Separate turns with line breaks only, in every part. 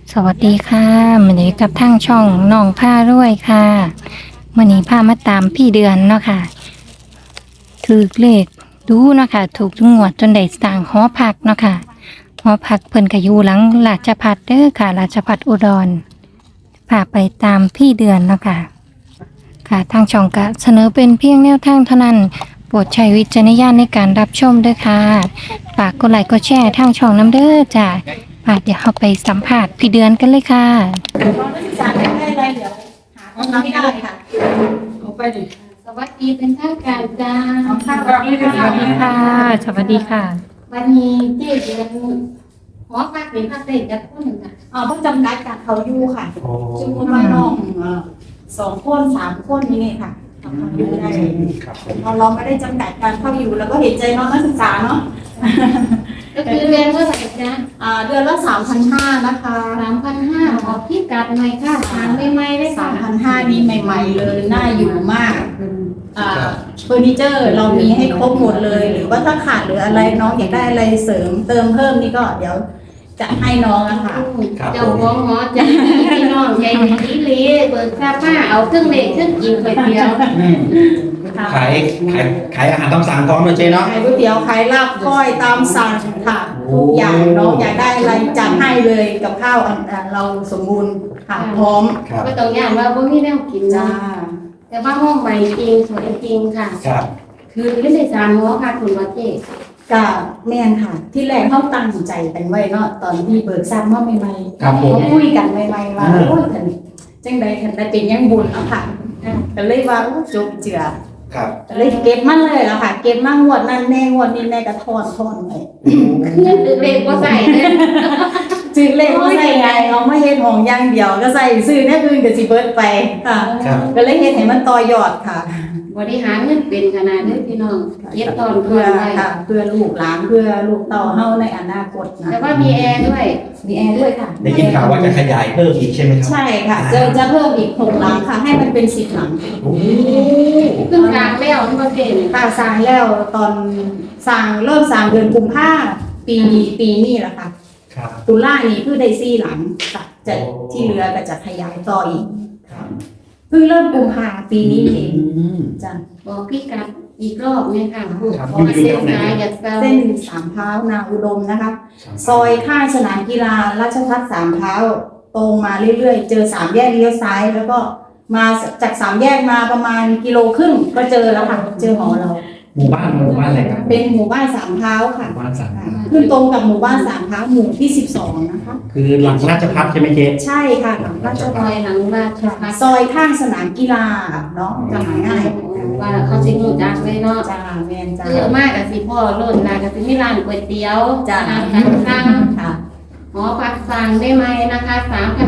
สวัสดีค่ะวันนี้กับทางช่องน้องผ้ารวยค่ะวันนี้พามาตามพี่เดือนเนาะค่ะถือเลขดูเนาะค่ะถูกทุกงวดจนได้สร้างหอพักเนาะค่ะหอพักเพิ่นก็อยู่หลังราชภัฏเด้อค่ะราชภัฏอุดรพาไปตามพี่เดือนเนาะค่ะค่ะทางช่องก็เสนอเป็นเพียงแนวทางเท่านั้นโปรดใช้วิจารณญาณในการรับชมด้วยค่ะฝากกดไลค์กดแชร์ทางช่องน้ำเด้อจ้ะเดี๋ยวเราไปสัมภาษณ์พี่เดือนกันเลยค่ะ
สารได้อะไรเดี๋ยวหาของไม่ได้ค่ะเอาไปดิ
สวัสดีเป็นทางการจ้า
เอาข้าวเราไม่ได้
สวัสดีค่ะ สวัสดีค่ะ
วันนี้เจ๊เดือนหอพักเป็นพักเด็กจะพูดหนึ่งค่ะ
เพิ่งจำกัดกับเขาอยู่ค่ะจำนวนว่าน้อง2 คน 3 คนนี่ค่ะเขาอยู่ได้เราไม่ได้จำกัดการเข้าอยู่แล้วก็เห็นใจน้องนักศึกษาเนาะ
ก็คือเรียนเมื่อไหร่จ้า
เดือนละ 3,500 นะคะ
3,500ขอพี่กัดหน่อยค่ะทางไม่ไม่ได้ค่ะ
3,500นี่ใหม่ๆเลยน่าอยู่มากเฟอร์นิเจอร์เรามีให้ครบหมดเลย หรือว่าถ้าขาดหรืออะไรน้องอยากได้อะไรเสริมเติมเพิ่มนี่ก็เดี๋ยวจะให้น้องอะค่ะ
เจ้าของหอจะพี่น้องใหญ่ดีเลยเปิดซาผ้าเอาเครื่องเล็กเครื่องกินไปเดียว
ขายขายอาหารตามสั่งพร้อมเลยเจ๊เนาะ
ขายก๋วยเตี๋ยวขายลาบก้อยตามสั่งค่ะทุกอย่างน้องอยากได้อะไรจัดให้เลยกับข้าวเราสมบูรณ์ค่ะพร้อม
ครับ
ก็ต้องอย่างว่าพวกนี้แนวกิน
จ้า
จ้าแต่ว่าห้องใหม่จริงสวยจริงค่ะ
ครับ
คือไม่ได้สามหอค่ะคุณวัดเจ๊
กับแม่นค่ะ ที่แรกเขาตั้งใจกันไว้เนาะตอนที่เบิกทราบว่าใหม่ๆ
ครับผม
เขาคุยกันใหม่ๆว่าโอ้ยคันจังใดคันได้เป็นยังบุญเนาะค่ะก็เลยว่าโอ้จบเจือ
ครับ
ก็เลยเก็บมันเลยแล้วค่ะ เก็บมางวดนั้นแน่งวดนี้แน่ก็ทอนไป
เครื่องตื่นเล็กว่าใส่เลย
จึงเลขก็ใส่ไงเอามาเฮ็ดห้องอย่างเดียวก็ใส่ซื้อแน่อื่นก็สิเบิดไปค่ะ
ครับ
ก็เลยเฮ็ดให้มันต่อยอดค่ะ
บริหารเงินเป็นขนาดนี้พี่น้องเย็บตอนเพื่
เพื่
อ
อน
ไว้
ค่ะเพื่อลูกหลานเพื่อลูกเต่าเฮาในอนาคตนะ
แต่ว่ามีแอร์ด้วย
มีแอร์ด้วยค่ะ
ได้ยินข่าวว่าจะขยายเพิ่มอีกใช่ไหมครับ
ใช่ค่ะจะเพิ่มอีก6หลังค่ะ ให้มันเป็น10หลัง
โอ้โห
ขึ้นกลางแล้วที่ประเทศเนี่ย
ค่ะสร้างแล้วตอนสร้างเริ่มสร้างเดือนกุมภาพันธ์ปีนี้แหละค่ะ
ครับ
ตุลานี้เพิ่งได้4หลังค่ะจะ
โอ้
ที่เหลือก็จะขยายต่ออีก
ครับ
เพิ่งเริ่มกุมภาพันธ์ปีนี้เอง
อืม
จ้ะ
บอกพี่กัดอีกรอบเนี่ยค่ะ
ครับ
พอเส้นสายอยากเซา
เส้นสามเท้านาอุดมนะคะ ซอยข้างสนามกีฬาราชพัฒสามเท้าตรงมาเรื่อยๆ เจอ3แยกเลี้ยวซ้าย แล้วก็มาจาก3แยกมาประมาณ1.5 กิโลก็เจอแล้วค่ะเจอหอเรา
หมู่บ้านอะไรครับ
เป็นหมู่บ้านสามเท้าค่ะ
หมู่บ้านสั่ง
ขึ้นตรงกับหมู่บ้านสามเท้าหมู่ที่12นะคะ
คือหลังราชพัฒใช่ไหมเจ๊
ใช่ค่ะหลังราช
ซ
พั
อ
ฒ
ยหลังราชพัฒ
ซอยข้างสนามกีฬาเนาะจะหาง่าย
ว่าเขาสิรู้จักเลยเนาะ
จ้าแมนจ้า
เยอะมากกับสิพ่อโลดลากับสิมีร้านก๋วยเตี๋ยว
จ้า
อาหารสั่ง
ค่ะ
หอพักสั่งได้ไหมนะคะ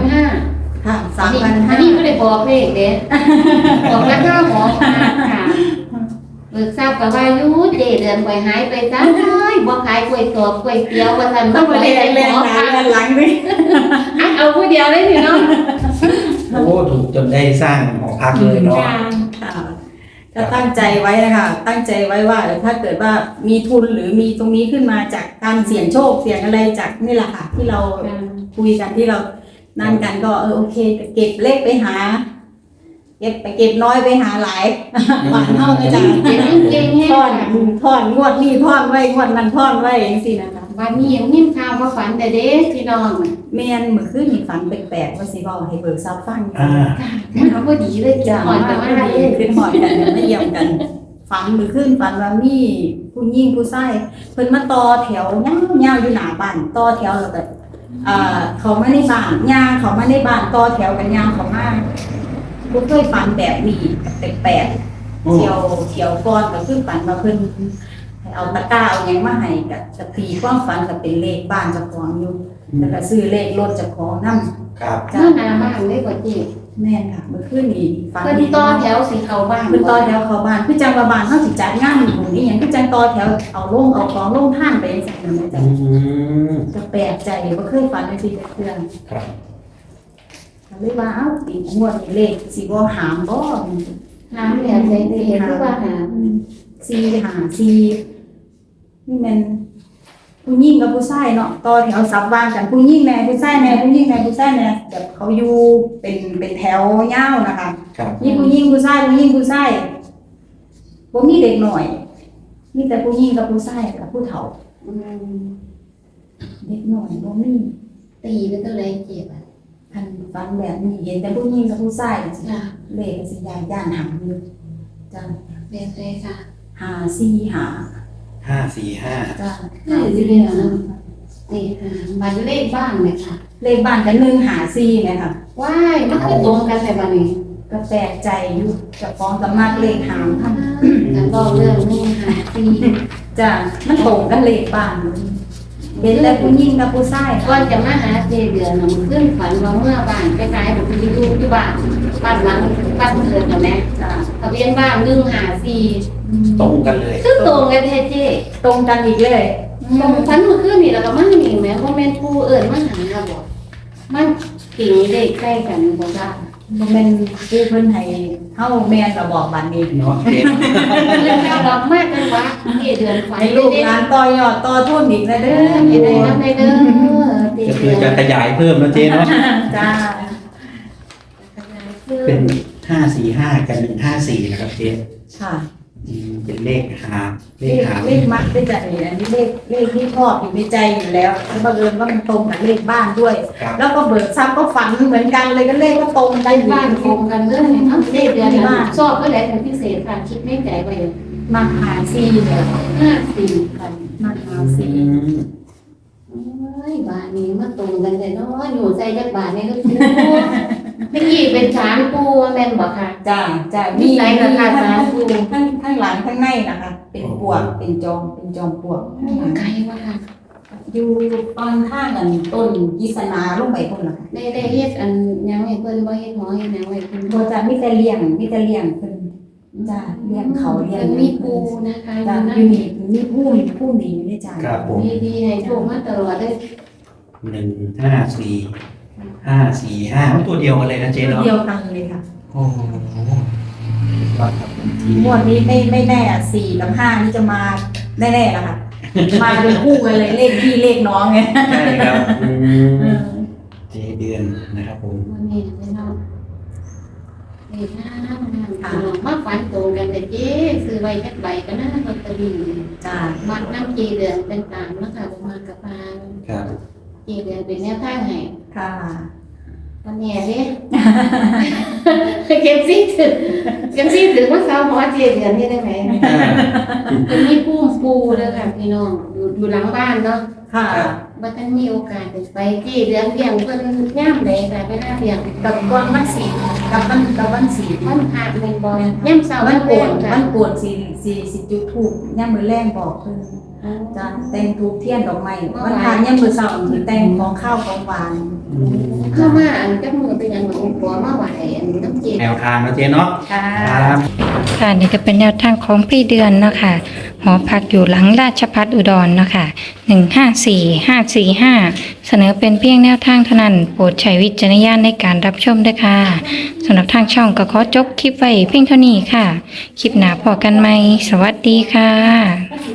3,500
ค่ะ
อันนี้ไม่ได้บอกเลขเด้บอกราคาหอพักค่ะเบิกทราบกับว่ายูเจเดือนไปหายไปจ้าบ่ขายก๋วยตอบก๋วยเตี๋ยวว่าซั่น
ต้อง
บ่
ไป
ได้
เรียน
หอ
หนา
พัก
เรียนหลังด้วย
เอาผู้เดียวเลยพี่น้อง
โอ้ถูกจนได้สร้างหอพักเลยเนาะ
ค่ะก็ตั้งใจไว้นะคะตั้งใจไว้ว่าถ้าเกิดว่ามีทุนหรือมีตรงนี้ขึ้นมาจากการเสี่ยงโชคเสี่ยงอะไรจากนี่แหละค่ะ ที่เราคุยกันที่เรานั่นกันก็โอเคเก็บเลขไปหา เก็บน้อยไปหาหลายหวานเท่ากันจ้ะ
เก่งเก่งแฮ
ท่อนงวดนี้ท่อนไว้งวดนั้นท่อนไว้อย่างสินะคะ
วันนี้ยังนิ่มข่าวว่าฝันแต่เด้พี่น้อง
แม่นเมื่อคืนนี่ฝันแปลกๆว่าสิบอกให้เบิกทรัพย์ฟังอยู่
อ่า
เขาพอดีเลย
จ้ะ
หอย
มา
แต่ว่า
ดีขึ้นหอดกันไม่เยี่ยมกัน ฝันมือขึ้นฝันว่ามีผู้หญิงผู้ชายเพิ่นมาต่อแถวยาวๆอยู่หน้าบ้านต่อแถวแล้วก็เขามาในบ้านย่างเขามาในบ้านต่อแถวกันย่างเขามาบ่เคยฝันแบบนี้แปลกๆเที่ยวก่อนก็คือฝันว่าเพิ่นให้เอาตะกร้าเอาหยังมาให้ก็ตีความฝันก็เป็นเลขบ้านเจ้าของอยู่แล้วก็ซื้อเลขรถเจ้าของนำ
ครับ
เมื่อนาบ้านได้กว่าจี
แม่นค่ะเมื่อคืนนี้ฝัน
เพิ่นต่อแถวสีเขาบ้าน
คือต่อแถวเข้าบ้านคือจังว่าบ้านเฮาสิจัดงานหมู่นี้หยังคือจังต่อแถวเอาลงเอาของลงท่านไปจังซั่นน่ะแม่จ้ะ
อืม
ก็แปลกใจบ่เคยฝันจังซี่จักเทื่อ
ครับ
ก็เลยว่าเอ้าปีงวดนี้เลขสิบ่หามบ่
หาแบบใส่เห็นคือว่าหา
4 5 4นี่แม่นผู้หญิงกับผู้ชายเนาะต่อแถวสับวางกันผู้หญิงแน่ผู้ชายแน่ผู้หญิงแน่ผู้ชายแน่แบบเขาอยู่เป็นแถวยาวนะคะ
ครับ
มีผู้หญิงผู้ชายผู้หญิงผู้ชายบ่มีเด็กหน่อยมีแต่ผู้หญิงกับผู้ชายกับผู้เฒ่า
อืม
เด็กหน่อยบ่มี
ตีเป็นตัวไรเจ็บอ่ะ
คันฟังแบบนี้เห็นแต่ผู้หญิงกับผู้ชายสิ
จ้ะ
เลขสิย่านหังอยู่จ้ะ
แบบไรค่ะ
545
545
จ้ะ
คือสิเรียนเนาะนี่ค่ะบัตรเลขบ้านเลยค่ะ
เลขบ้านกัน154ไหมคะ
ว้ายมันคือตรงกันแต่บัดนี้
ก็แปลกใจอยู่กับฟ้องกับมากเลขหางท่าน
กันบอกเรื่องนี้ค่ะตี
จ้ะมันตรงกันเลขบ้านเลยเห็นแต่ผู้หญิงกับผู้ชาย
ก่อนจะมาหาเจเดือนน่ะมันขึ้นฝันว่าเมื่อบ้านไปขายแบบที่ดูที่บ้านหลังบ้านเกิดกับแม่
จ้ะ
ทะเบียนบ้าน154
ตรงกันเลย
คือตรงกันแท้เจ๊
ตรงกันอีกเลย
ตรงฝันเมื่อคืนนี่แล้วก็มานี่แหม่บ่แม่นผู้เอิ้นมาหาบ่มันกิ่งเลขใกล้กันบ่จ้า
บ่แม่นผู้เพิ่นให้เฮาแม่นก็บอกบัดนี้
เนาะเจ๊
เรื่องราวดอกมากกันวะเจเดือนฝัน
ให้ลูกหลานต่อยอดต่อทุนอีกนะเด้อ
เฮ็ดได้นำได้เด้อเจ
ก็คื
เดื
อ
อน
จะขยายเพิ่มนะเจ๊เนาะ
จ้า
เป็น545กับ154นะครับเจ๊
ค่ะ
เป็นเลขหาเล
เล
ข
ข
หา
เลขมักได้จัดนี่อันนี้เลขที่ชอบอยู่ในใจอยู่แล้วแล้วบังเอิญว่ามันตรงกับเลขบ้านด้วย
ครับ
แล้วก็เบิกทรัพย์ก็ฝันเหมือนกันเลยก็เลขก็ตรงกัน
ได้บ้านโคงกันเด้อเนี่ยเอ้าเจเดือนน่ะชอบก็แล้วเป็นพิเศษค่ะคิดในใจไว้
มาหาซีเนี่ย
54กัน
มาหาซี
โอ้ยบาทนี้มาตรงกันแต่เนาะอยู่ใจจักบาทนี่ก็คือเมื่อกี้เป็นช้างปูว่าแม่นบ่ค่ะ
จ้าจ้า
มีไหนราคา
ทั้
สางปู
ข้างหลังข้างในนะคะ เป็นปวกเป็นจอมปลวกข้างหลัง
ไกลว่าค่ะ
อยู่ตอนข้างกันต้นกิษณาลงไปพุ่นล่ะค่ะ
ได้เฮ็ดอันยังให้เพิ่นบ่เฮ็ดหอเฮ็ดหยังไว้เพิ่น
บ่จะมีแต่เลี้ยงเพิ่นจ้าเลี้ยงเขาเลี้ยง
เพิ่นมีปูนะคะอ
จ้า
ยู่
อยู่
นั่น
นี่มีผู้ดีอยู่ในใจ
ครับผม
ดีๆให้โชคมาตลอดเด้อ
154 545ตัวเดียวกันเลยนะเจ๊เนาะ
เดียวกันเลยค่ะ
โอ้โหยอดครับที
งวดนี้ไม่แน่อ่ะ4กับ5นี่จะมาแน่ๆล่ะค่ะ มาเป็นคู่กันเลยเลขพี่เลขน้องไง
ใช่ครับเจ๊เดือนนะครับผม
วันนี้เนาะนี่งามมาฝันตรงกันแต่เจ๊ซื้อไว้จักใบก็น่าลอตเตอรี่
จ้า
มักน้ำเจเดือนต่างๆนะคะบ่มากับปาน
ครับ
เจเดือนเป็นแนวทางให้
ค่ะ
วันนี้เด้เก็บซี่ถึงว่าเสาหอเจเดือนนี่ได้ไหมเป็นมีปูปูเด้อค่ะพี่น้องอยู่หลังบ้านเนาะ
ค่ะ
บ่ทันมีโอกาสได้ไปเจเดือนเลี้ยงเพิ่นย่ามใดก็ไปหาเลี้ยง
กับก้อนวันสีกับวันสี
วันพระแม่นบ่ย่ามเช้า
วั
วัน น
โก
โก
น
นค่ะ
วันโกนสิจุดถูกย่ามมือแรงบอกเพิ่นจ้าแต่งทูบเทียนดอกไม้วันทานย่ามมือเสาร์สิแต่งของข้าวของหวาน
เข้ามาอันจักมือเป็นหยังหลวงปู่มาไหว้อันน้ำเจ
แนวทางนะเจ๊เนาะ
ค่ะ
ครับ
ค่ะนี่ก็เป็นแนวทางของพี่เดือนเนาะค่ะหอพักอยู่หลังราชพัฒอุดรเนาะค่ะ154545 เสนอเป็นเพียงแนวทางเท่านั้นโปรดใช้วิจารณญาณในการรับชมด้วยค่ะสำหรับทางช่องก็ขอจบคลิปไว้เพียงเท่านี้ค่ะ คลิปหน้าพอกันไหมสวัสดีค่ะ